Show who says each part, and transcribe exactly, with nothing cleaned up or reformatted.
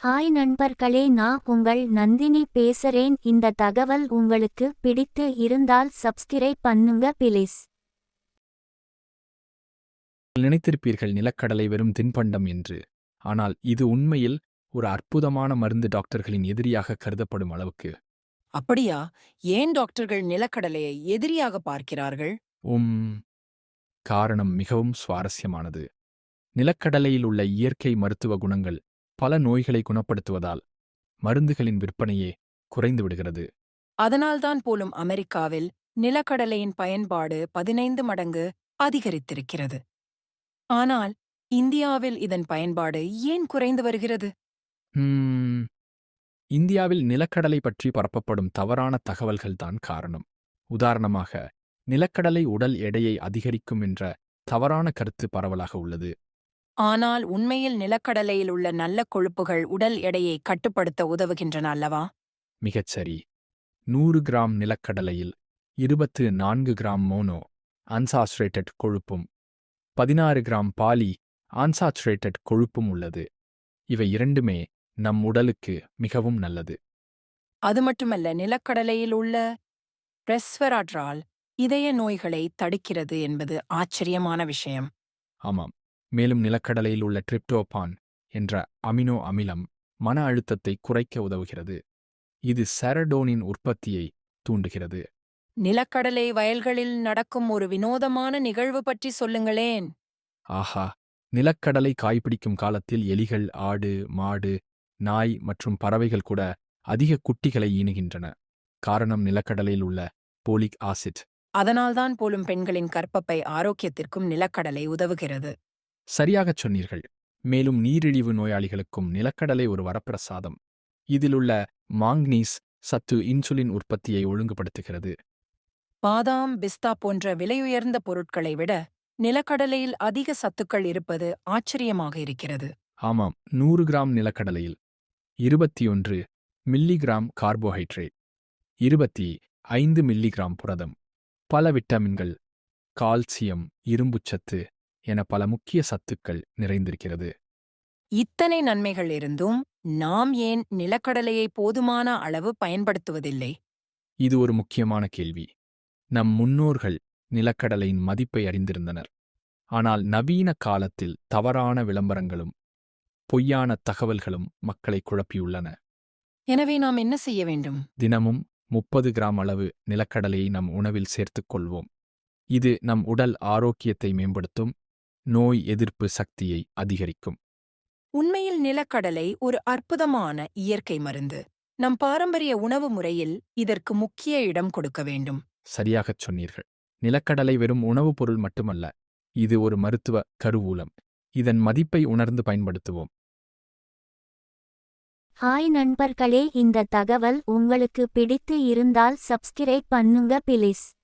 Speaker 1: Hi நண்பர்களே, நான் உங்கள் நந்தினி பேசுறேன். இந்த தகவல் உங்களுக்கு பிடித்து இருந்தால் சப்ஸ்கிரைப் பண்ணுங்க பிளீஸ்.
Speaker 2: நினைத்திருப்பீர்கள் நிலக்கடலை வெறும் தின்பண்டம் என்று. ஆனால் இது உண்மையில் ஒரு அற்புதமான மருந்து, டாக்டர்களின் எதிரியாக கருதப்படும் அளவுக்கு.
Speaker 3: அப்படியா? ஏன் டாக்டர்கள் நிலக்கடலையை எதிரியாக பார்க்கிறார்கள்?
Speaker 2: உம் காரணம் மிகவும் சுவாரஸ்யமானது. நிலக்கடலையில் உள்ள இயற்கை மருத்துவ குணங்கள் பல நோய்களை குணப்படுத்துவதால் மருந்துகளின் விற்பனையே குறைந்து விடுகிறது.
Speaker 3: அதனால்தான் போலும் அமெரிக்காவில் நிலக்கடலையின் பயன்பாடு பதினைந்து மடங்கு அதிகரித்திருக்கிறது. ஆனால் இந்தியாவில் இதன் பயன்பாடு ஏன் குறைந்து வருகிறது?
Speaker 2: ஹம், இந்தியாவில் நிலக்கடலை பற்றி பரப்பப்படும் தவறான தகவல்கள்தான் காரணம். உதாரணமாக, நிலக்கடலை உடல் எடையை அதிகரிக்கும் என்ற தவறான கருத்து பரவலாக உள்ளது.
Speaker 3: ஆனால் உண்மையில் நிலக்கடலையில் உள்ள நல்ல கொழுப்புகள் உடல் எடையை கட்டுப்படுத்த உதவுகின்றன அல்லவா?
Speaker 2: மிகச்சரி. நூறு கிராம் நிலக்கடலையில் இருபத்து நான்கு கிராம் மோனோ அன்சாச்சுரேட்டட் கொழுப்பும் பதினாறு கிராம் பாலி அன்சாச்சுரேட்டட் கொழுப்பும் உள்ளது. இவை இரண்டுமே நம் உடலுக்கு மிகவும் நல்லது.
Speaker 3: அது மட்டுமல்ல, நிலக்கடலையில் உள்ள ரெஸ்வெராட்ரால் இதய நோய்களை தடுக்கிறது என்பது ஆச்சரியமான விஷயம்.
Speaker 2: ஆமாம். மேலும் நிலக்கடலையில் உள்ள டிரிப்டோபான் என்ற அமினோ அமிலம் மன அழுத்தத்தை குறைக்க உதவுகிறது. இது செரடோனின் உற்பத்தியை தூண்டுகிறது.
Speaker 3: நிலக்கடலை வயல்களில் நடக்கும் ஒரு வினோதமான நிகழ்வு பற்றி சொல்லுங்களேன்.
Speaker 2: ஆஹா! நிலக்கடலை காய்பிடிக்கும் காலத்தில் எலிகள், ஆடு, மாடு, நாய் மற்றும் பறவைகள் கூட அதிக குட்டிகளை ஈனுகின்றன. காரணம் நிலக்கடலையில் உள்ள போலிக் ஆசிட்.
Speaker 3: அதனால்தான் போலும் பெண்களின் கர்ப்பப்பை ஆரோக்கியத்திற்கும் நிலக்கடலை உதவுகிறது.
Speaker 2: சரியாகச் சொன்னீர்கள். மேலும் நீரிழிவு நோயாளிகளுக்கும் நிலக்கடலை ஒரு வரப்பிரசாதம். இதிலுள்ள மாங்னீஸ் சத்து இன்சுலின் உற்பத்தியை ஒழுங்குபடுத்துகிறது.
Speaker 3: பாதாம், பிஸ்தா போன்ற விலையுயர்ந்த பொருட்களை விட நிலக்கடலையில் அதிக சத்துக்கள் இருப்பது ஆச்சரியமாக இருக்கிறது.
Speaker 2: ஆமாம். நூறு கிராம் நிலக்கடலையில் இருபத்தி ஒன்று மில்லிகிராம் கார்போஹைட்ரேட், இருபத்தி ஐந்து மில்லிகிராம் புரதம், பல விட்டமின்கள், கால்சியம், இரும்புச்சத்து என பல முக்கிய சத்துக்கள் நிறைந்திருக்கிறது.
Speaker 3: இத்தனை நன்மைகள் இருந்தும் நாம் ஏன் நிலக்கடலையை போதுமான அளவு பயன்படுத்துவதில்லை?
Speaker 2: இது ஒரு முக்கியமான கேள்வி. நம் முன்னோர்கள் நிலக்கடலையின் மதிப்பை அறிந்திருந்தனர். ஆனால் நவீன காலத்தில் தவறான விளம்பரங்களும் பொய்யான தகவல்களும் மக்களை குழப்பியுள்ளன.
Speaker 3: எனவே நாம் என்ன செய்ய வேண்டும்?
Speaker 2: தினமும் முப்பது கிராம் அளவு நிலக்கடலையை நம் உணவில் சேர்த்துக் கொள்வோம். இது நம் உடல் ஆரோக்கியத்தை மேம்படுத்தும், நோய் எதிர்ப்பு சக்தியை அதிகரிக்கும்.
Speaker 3: உண்மையில் நிலக்கடலை ஒரு அற்புதமான இயற்கை மருந்து. நம் பாரம்பரிய உணவு முறையில் இதற்கு முக்கிய இடம் கொடுக்க வேண்டும்.
Speaker 2: சரியாகச் சொன்னீர்கள். நிலக்கடலை வெறும் உணவுப் பொருள் மட்டுமல்ல, இது ஒரு மருத்துவ கருவூலம். இதன் மதிப்பை உணர்ந்து பயன்படுத்துவோம்.
Speaker 1: ஹாய் நண்பர்களே, இந்த தகவல் உங்களுக்கு பிடித்து இருந்தால் சப்ஸ்கிரைப் பண்ணுங்க பிளீஸ்.